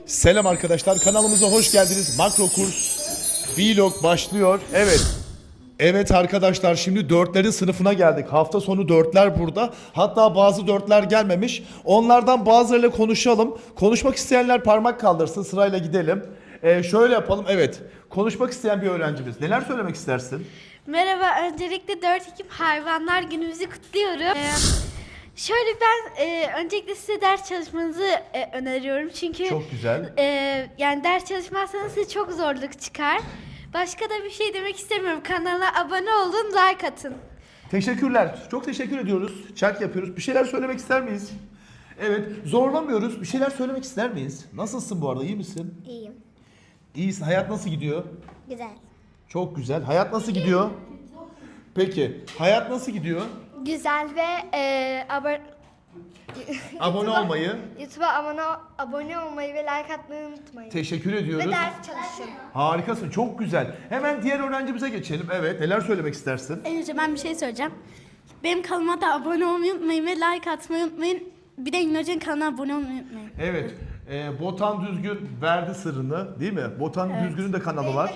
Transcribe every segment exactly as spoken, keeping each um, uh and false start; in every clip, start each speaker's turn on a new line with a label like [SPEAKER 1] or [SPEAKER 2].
[SPEAKER 1] Selam arkadaşlar, kanalımıza hoş geldiniz. Makro kurs vlog başlıyor. Evet. Evet arkadaşlar, şimdi dörtlerin sınıfına geldik. Hafta sonu dörtler burada. Hatta bazı dörtler gelmemiş. Onlardan bazılarıyla konuşalım. Konuşmak isteyenler parmak kaldırsın. Sırayla gidelim. Ee, şöyle yapalım. Evet. Konuşmak isteyen bir öğrencimiz. Neler söylemek istersin?
[SPEAKER 2] Merhaba, öncelikle dört Ekim Hayvanlar Günümüzü kutluyorum. Ee, şöyle ben e, öncelikle size ders çalışmanızı e, öneriyorum çünkü
[SPEAKER 1] Çok güzel.
[SPEAKER 2] e, yani ders çalışmazsanız size çok zorluk çıkar. Başka da bir şey demek istemiyorum. Kanala abone olun, like atın.
[SPEAKER 1] Teşekkürler. Çok teşekkür ediyoruz. Chat yapıyoruz. Bir şeyler söylemek ister miyiz? Evet. Zorlamıyoruz. Bir şeyler söylemek ister miyiz? Nasılsın bu arada? İyi misin?
[SPEAKER 3] İyiyim.
[SPEAKER 1] İyisin. Hayat nasıl gidiyor?
[SPEAKER 3] Güzel.
[SPEAKER 1] Çok güzel. Hayat nasıl gidiyor? Peki. Hayat nasıl gidiyor?
[SPEAKER 3] Güzel ve e, abone
[SPEAKER 1] Abone olmayı
[SPEAKER 3] YouTube'a abone, abone olmayı ve like atmayı unutmayın.
[SPEAKER 1] teşekkür ediyoruz.
[SPEAKER 3] Ve ders çalışın.
[SPEAKER 1] Harikasın. Çok güzel. Hemen diğer öğrencimize geçelim. Evet. Neler söylemek istersin?
[SPEAKER 4] En önce ben bir şey söyleyeceğim. Benim kanalıma da abone olmayı unutmayın ve like atmayı unutmayın. Bir de İlnoce'nin kanalına abone olmayı unutmayın.
[SPEAKER 1] Evet. E, Botan Düzgün verdi sırrını, değil mi? Botan Düzgün'ün de kanalı var.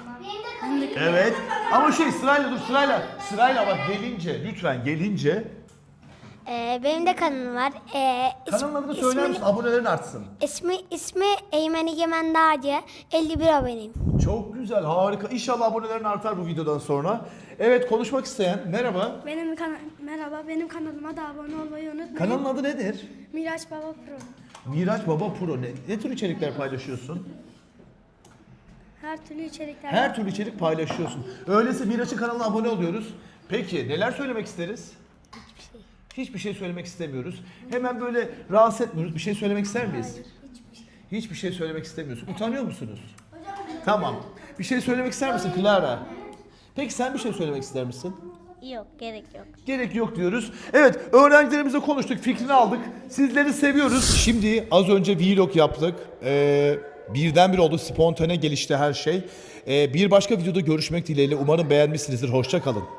[SPEAKER 1] Evet. Ama şey sırayla dur sırayla. Sırayla bak gelince lütfen gelince.
[SPEAKER 3] Ee, benim de kanalım var. Ee,
[SPEAKER 1] Kanalın adını söyler misin? Abonelerin artsın.
[SPEAKER 3] ismi, ismi Eymen Egemen Dağcı. elli bir aboneyim.
[SPEAKER 1] Çok güzel, harika. İnşallah abonelerin artar bu videodan sonra. Evet, konuşmak isteyen merhaba.
[SPEAKER 4] Benim kana Merhaba, benim kanalıma da abone olmayı unutmayın.
[SPEAKER 1] Kanalın adı nedir?
[SPEAKER 4] Miraç Baba Pro.
[SPEAKER 1] Miraç Baba Pro. Ne, ne tür içerikler paylaşıyorsun?
[SPEAKER 4] Her türlü içerikler.
[SPEAKER 1] Her türlü içerik paylaşıyorsun. Öyleyse Miraç'ın kanalına abone oluyoruz. Peki neler söylemek isteriz?
[SPEAKER 3] Hiçbir şey.
[SPEAKER 1] Hiçbir şey söylemek istemiyoruz. Hemen böyle rahatsız etmiyoruz. Bir şey söylemek ister miyiz? Hiçbir şey söylemek istemiyorsun. Utanıyor musunuz? Tamam. Bir şey söylemek ister misin Clara? Peki sen bir şey söylemek ister misin?
[SPEAKER 3] Yok, gerek yok.
[SPEAKER 1] Gerek yok diyoruz. Evet, öğrencilerimizle konuştuk, fikrini aldık. Sizleri seviyoruz. Şimdi az önce vlog yaptık. Ee, birdenbire oldu, spontane gelişti her şey. Ee, bir başka videoda görüşmek dileğiyle. Umarım beğenmişsinizdir. Hoşça kalın.